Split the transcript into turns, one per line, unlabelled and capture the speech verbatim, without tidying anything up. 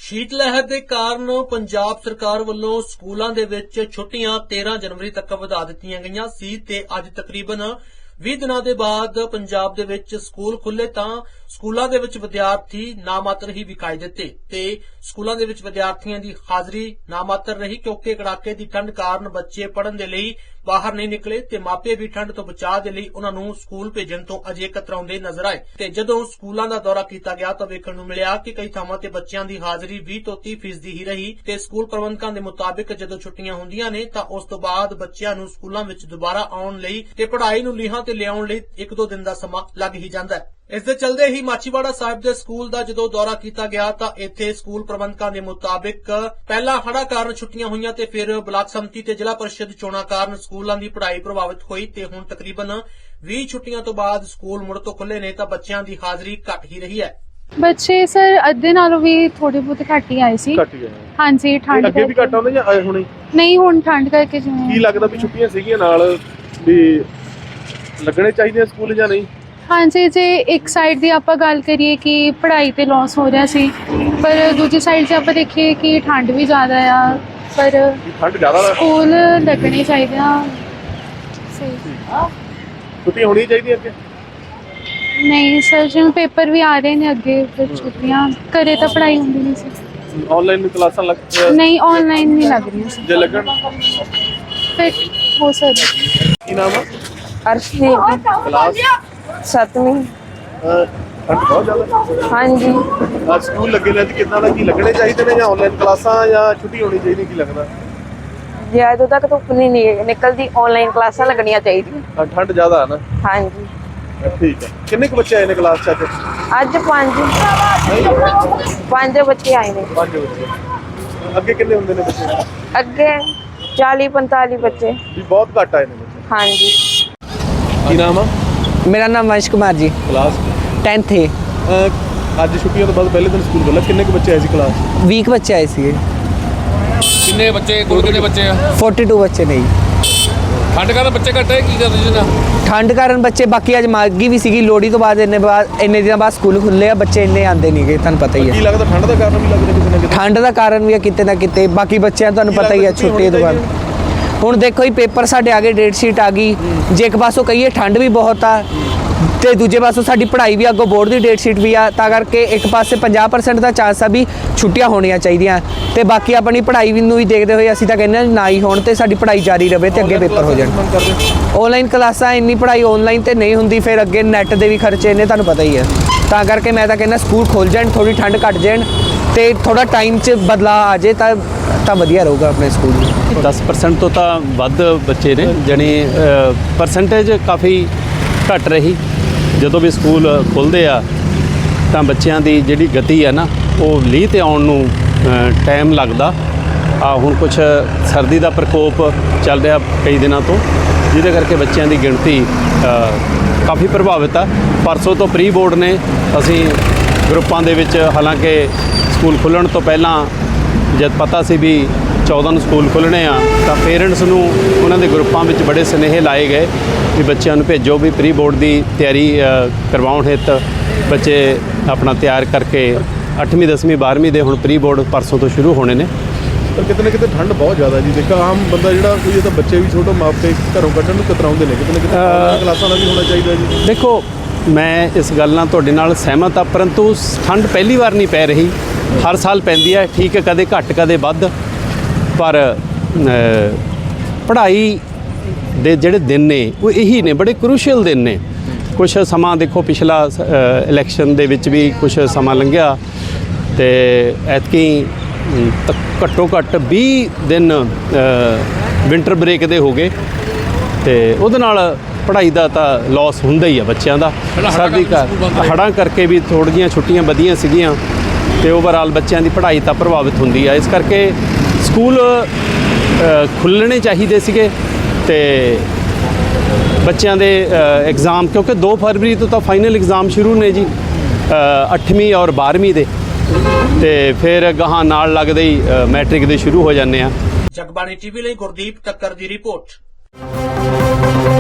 शीत लहर के कारण पंजाब सरकार वालों स्कूलों दे विच छुट्टियां तेरह जनवरी तक वधा दित्तियां गईयां सी ते अज तकरीबन बीस दिनों के बाद पंजाब दे विच स्कूल खुले तां स्कूलों दे विच विद्यार्थी नामात्र ही विखाई दिते ते स्कूलों दे विच विद्यार्थियों की हाजरी नामात्र रही क्योंकि कड़ाके की ठंड कारण बच्चे पढ़न दे लई बाहर नहीं निकले ते मापे भी ठंड तो बचाव दे लई उन्हां नूं स्कूल भेजण तो अजे कतराउंदे नजर आए ते जदों स्कूलों का दौरा किया गया तो वेखण नूं मिलिया कि कई थावां ते बच्चों की हाजरी बीस तो तीस फीसदी ही रही ते स्कूल प्रबंधकों के मुताबिक जदों छुट्टियां हुंदियां ने तां उस तो बाद बच्चों नूं स्कूलों विच दुबारा आउण लई ते पढ़ाई नूं लीहां ते लिआउण लई एक दो दिन दा समां लग ही जांदा है। इस दे चलदे ही माचीवाड़ा साहिब दे स्कूल दा जदों दौरा किया गया तां इत्थे स्कूल प्रबंधकों के मुताबिक पहला हड़ा कारण छुट्टियां होईयां ते फिर ब्लाक समति ते जिला परिषद चोणां कारण स्कूलों की पढ़ाई प्रभावित हुई ते हुण तकरीबन बीस छुट्टियां तो बाद स्कूल मुड़ तो खुले ने तां बच्चों की हाजरी घट ही रही है।
बच्चे सर अद्धे नालों भी थोड़े बहुत घट ही आए सी। हाँ जी ठंड
ਅੱਗੇ ਵੀ ਘੱਟ ਆਉਂਦੇ ਜਾਂ ਆਏ ਹੁਣੇ
नहीं हुण ठंड करके जिवें
ਕੀ ਲੱਗਦਾ ਵੀ ਛੁੱਟੀਆਂ ਸੀਗੀਆਂ ਨਾਲ ਵੀ ਲੱਗਣੇ ਚਾਹੀਦੇ ਸਕੂਲ ਜਾਂ ਨਹੀਂ?
हाँ जी जे एक साइड की आप गल करिए कि पढ़ाई ते लॉस हो रहा सी पर दूजी साइड से आप देखिए कि ठंड भी ज़्यादा आ पर
ਠੰਡ ਜ਼ਿਆਦਾ
स्कूल लगने चाहिए।
ਛੁੱਟੀਆਂ ਹੋਣੀਆਂ ਚਾਹੀਦੀਆਂ ਅੱਗੇ?
नहीं सर जिवें पेपर भी आ रहे हैं अगे फिर छुट्टियां घरे तो पढ़ाई होंदी नहीं सी।
ਆਨਲਾਈਨ ਕਲਾਸਾਂ ਲੱਗ
नहीं ऑनलाइन नहीं लग रही सी
ਜੇ ਲੱਗਣ
फिर हो सकता।
ਕੀ ਨਾਮ ਆ?
अर्शदीप
ਕਲਾਸ
सतवीं।
ਅਹ, ਠੰਡ ਬਹੁਤ ਜ਼ਿਆਦਾ
हाँ जी
ਅੱਜ ਸਕੂਲ ਲੱਗੇ ਨੇ ਤੇ ਕਿੰਨਾ ਦਾ ਕੀ ਲੱਗਣੇ ਚਾਹੀਦੇ ਨੇ ਜਾਂ ਆਨਲਾਈਨ ਕਲਾਸਾਂ ਜਾਂ ਛੁੱਟੀ ਹੋਣੀ ਚਾਹੀਦੀ ਕੀ ਲੱਗਦਾ?
जे अदों तक धुप्प नहीं निकलती ऑनलाइन क्लासां लगनियां चाहिए।
ਅਹ, ਠੰਡ ਜ਼ਿਆਦਾ ਹੈ ਨਾ?
हाँ जी
ਅਹ, ਠੀਕ ਹੈ। ਕਿੰਨੇ ਕੁ ਬੱਚੇ ਆਏ ਨੇ ਕਲਾਸ 'ਚ ਅੱਜ?
अज पांच पांच बच्चे आए ने।
ਪੰਜ ਬੱਚੇ। ਅੱਗੇ ਕਿੰਨੇ ਹੁੰਦੇ ਨੇ ਬੱਚੇ?
अगे चाली पैंताली बच्चे।
ਵੀ ਬਹੁਤ ਘੱਟ ਆਏ ਨੇ ਬੱਚੇ।
हाँ जी
ਕੀ ਨਾਮ ਆ?
मेरा नाम वंश कुमार जी,
ਕਲਾਸ
टेंथ है।
ਅਹ, ਅੱਜ ਛੁੱਟੀਆਂ ਤੋਂ ਬਾਅਦ ਪਹਿਲੇ ਦਿਨ ਸਕੂਲ ਖੁੱਲ੍ਹਾ ਕਿੰਨੇ ਕੁ ਬੱਚੇ ਆਏ ਸੀ ਕਲਾਸ 'ਚ?
वीक बच्चे आए थे,
किन्ने बच्चे कुल किन्ने बच्चे आ?
फोर्टी टू बच्चे नहीं।
ठंड कारण बच्चे घट है की कर रहे ना?
ठंड कारण बच्चे बाकी अज मागी भी सी लोहड़ी तो बाद इन्ने बाद इन्ने दिन बाद स्कूल खुले आ बच्चे इन्ने आते नहीं गए तुहानू पता ही
ਕੀ
है।
ਲੱਗਦਾ ਠੰਡ ਦਾ ਕਾਰਨ ਵੀ ਲੱਗਦਾ ਕਿਸੇ ਨਾ ਕਿਤੇ?
ठंड का कारण भी है किते ना किते बाकी बच्चों तुहानू पता ही है छुट्टी तो बाद हुण देखो ही पेपर साडे आ गए डेट शीट आ गई जे एक पासों कहिए ठंड भी बहुत आ ਤੇ ਦੂਜੇ ਪਾਸੋਂ ਸਾਡੀ ਪੜ੍ਹਾਈ ਵੀ ਅੱਗੋਂ ਬੋਰਡ ਦੀ ਡੇਟ ਸ਼ੀਟ ਵੀ ਆ ਤਾਂ ਕਰਕੇ ਇੱਕ ਪਾਸੇ ਪੰਜਾਹ ਪਰਸੈਂਟ ਦਾ ਚਾਂਸ ਆ ਵੀ ਛੁੱਟੀਆਂ ਹੋਣੀਆਂ ਚਾਹੀਦੀਆਂ ਤੇ ਬਾਕੀ ਆਪਣੀ ਪੜ੍ਹਾਈ ਵੀ ਨੂੰ ਵੀ ਦੇਖਦੇ ਹੋਏ ਅਸੀਂ ਤਾਂ ਕਹਿੰਦੇ ਹਾਂ ਨਾ ਹੀ ਹੋਣ ਤੇ ਸਾਡੀ ਪੜ੍ਹਾਈ ਜਾਰੀ ਰਹੇ ਤੇ ਅੱਗੇ ਪੇਪਰ ਹੋ ਜਾਣ। ਆਨਲਾਈਨ ਕਲਾਸਾਂ ਇੰਨੀ ਪੜ੍ਹਾਈ ਆਨਲਾਈਨ ਤੇ ਨਹੀਂ ਹੁੰਦੀ ਫਿਰ ਅੱਗੇ ਨੈੱਟ ਦੇ ਵੀ ਖਰਚੇ ਨੇ ਤੁਹਾਨੂੰ ਪਤਾ ਹੀ ਹੈ ਤਾਂ ਕਰਕੇ ਮੈਂ ਤਾਂ ਕਹਿੰਦਾ ਸਕੂਲ ਖੁੱਲ ਜਾਣ ਥੋੜੀ ਠੰਡ ਘਟ ਜਾਣ ਤੇ ਥੋੜਾ ਟਾਈਮ 'ਚ ਬਦਲਾਅ ਆ ਜੇ ਤਾਂ ਤਾਂ ਵਧੀਆ ਰਹੂਗਾ ਆਪਣੇ ਸਕੂਲ।
दस परसेंट तो ਵੱਧ ਬੱਚੇ ਨੇ ਜਾਣੀ ਪਰਸੈਂਟੇਜ ਕਾਫੀ ਘਟ ਰਹੀ ਜਦੋਂ ਵੀ ਸਕੂਲ ਖੁੱਲ੍ਹਦੇ ਆ ਤਾਂ ਬੱਚਿਆਂ ਦੀ ਜਿਹੜੀ ਗਤੀ ਹੈ ਨਾ ਉਹ ਲੀਹ 'ਤੇ ਆਉਣ ਨੂੰ ਟਾਈਮ ਲੱਗਦਾ ਆ। ਹੁਣ ਕੁਛ ਸਰਦੀ ਦਾ ਪ੍ਰਕੋਪ ਚੱਲ ਰਿਹਾ ਕਈ ਦਿਨਾਂ ਤੋਂ ਜਿਹਦੇ ਕਰਕੇ ਬੱਚਿਆਂ ਦੀ ਗਿਣਤੀ ਕਾਫੀ ਪ੍ਰਭਾਵਿਤ ਆ। ਪਰਸੋਂ ਤੋਂ ਪ੍ਰੀ ਬੋਰਡ ਨੇ ਅਸੀਂ ਗਰੁੱਪਾਂ ਦੇ ਵਿੱਚ ਹਾਲਾਂਕਿ ਸਕੂਲ ਖੁੱਲ੍ਹਣ ਤੋਂ ਪਹਿਲਾਂ ਜਦ ਪਤਾ ਸੀ ਵੀ ਚੌਦਾਂ ਨੂੰ ਸਕੂਲ ਖੁੱਲ੍ਹਣੇ ਆ ਤਾਂ ਪੇਰੈਂਟਸ ਨੂੰ ਉਹਨਾਂ ਦੇ ਗਰੁੱਪਾਂ ਵਿੱਚ ਬੜੇ ਸੁਨੇਹੇ ਲਾਏ ਗਏ ਵੀ ਬੱਚਿਆਂ ਨੂੰ ਭੇਜੋ ਵੀ ਪ੍ਰੀ ਬੋਰਡ ਦੀ ਤਿਆਰੀ ਕਰਵਾਉਣ ਹਿੱਤ ਬੱਚੇ ਆਪਣਾ ਤਿਆਰ ਕਰਕੇ ਅੱਠਵੀਂ ਦਸਵੀਂ ਬਾਰ੍ਹਵੀਂ ਦੇ ਹੁਣ ਪ੍ਰੀ ਬੋਰਡ ਪਰਸੋਂ ਤੋਂ ਸ਼ੁਰੂ ਹੋਣੇ ਨੇ।
ਪਰ ਕਿਤੇ ਨਾ ਕਿਤੇ ਠੰਡ ਬਹੁਤ ਜ਼ਿਆਦਾ ਜੀ ਦੇਖੋ ਆਮ ਬੰਦਾ ਜਿਹੜਾ ਕੋਈ ਇਹ ਤਾਂ ਬੱਚੇ ਵੀ ਛੋਟੇ ਮਾਪੇ ਘਰੋਂ ਕੱਢਣ ਨੂੰ ਕਤਰਾਉਂਦੇ ਨੇ ਕਿਤੇ ਨਾ ਕਿਤੇ ਕਲਾਸਾਂ ਦਾ ਵੀ ਹੋਣਾ ਚਾਹੀਦਾ ਜੀ।
ਦੇਖੋ ਮੈਂ ਇਸ ਗੱਲ ਨਾਲ ਤੁਹਾਡੇ ਨਾਲ ਸਹਿਮਤ ਆ ਪਰੰਤੂ ਠੰਡ ਪਹਿਲੀ ਵਾਰ ਨਹੀਂ ਪੈ ਰਹੀ ਹਰ ਸਾਲ ਪੈਂਦੀ ਹੈ ਠੀਕ ਹੈ ਕਦੇ ਘੱਟ ਕਦੇ ਵੱਧ ਪਰ ਪੜ੍ਹਾਈ ਦੇ ਜਿਹੜੇ ਦਿਨ ਨੇ ਉਹ ਇਹੀ ਨੇ ਬੜੇ ਕ੍ਰੂਸ਼ੀਅਲ ਦਿਨ ਨੇ। ਕੁਛ ਸਮਾਂ ਦੇਖੋ ਪਿਛਲਾ ਇਲੈਕਸ਼ਨ ਦੇ ਵਿੱਚ ਵੀ ਕੁਛ ਸਮਾਂ ਲੰਘਿਆ ਤੇ ਐਤਕੀ ਘੱਟੋ ਘੱਟ ਵੀਹ ਦਿਨ ਵਿੰਟਰ ਬ੍ਰੇਕ ਦੇ ਹੋ ਗਏ ਤੇ ਉਹਦੇ ਨਾਲ ਪੜ੍ਹਾਈ ਦਾ ਤਾਂ ਲਾਸ ਹੁੰਦਾ ਹੀ ਆ ਬੱਚਿਆਂ ਦਾ। ਸਰਦੀ ਕਰ ਹੜ੍ਹਾਂ ਕਰਕੇ ਵੀ ਥੋੜ੍ਹੀਆਂ ਜਿਹੀਆਂ ਛੁੱਟੀਆਂ ਵਧੀਆਂ ਸੀਗੀਆਂ ਤੇ ਓਵਰਆਲ ਬੱਚਿਆਂ ਦੀ ਪੜ੍ਹਾਈ ਤਾਂ ਪ੍ਰਭਾਵਿਤ ਹੁੰਦੀ ਆ। ਇਸ ਕਰਕੇ ਸਕੂਲ ਖੁੱਲ੍ਹਣੇ ਚਾਹੀਦੇ ਸੀਗੇ ਤੇ ਬੱਚਿਆਂ ਦੇ ਐਗਜ਼ਾਮ ਕਿਉਂਕਿ ਦੋ ਫਰਵਰੀ ਤੋਂ ਤਾਂ ਫਾਈਨਲ ਐਗਜ਼ਾਮ ਸ਼ੁਰੂ ਨੇ ਜੀ ਅੱਠਵੀਂ ਔਰ ਬਾਰ੍ਹਵੀਂ ਦੇ ਤੇ ਫਿਰ ਗਾਹਾਂ ਨਾਲ ਲੱਗਦੇ ਹੀ ਮੈਟ੍ਰਿਕ ਦੇ ਸ਼ੁਰੂ ਹੋ ਜਾਂਦੇ ਆ।
ਜਗਬਾਣੀ ਟੀਵੀ ਲਈ ਗੁਰਦੀਪ ਟੱਕਰ ਦੀ ਰਿਪੋਰਟ।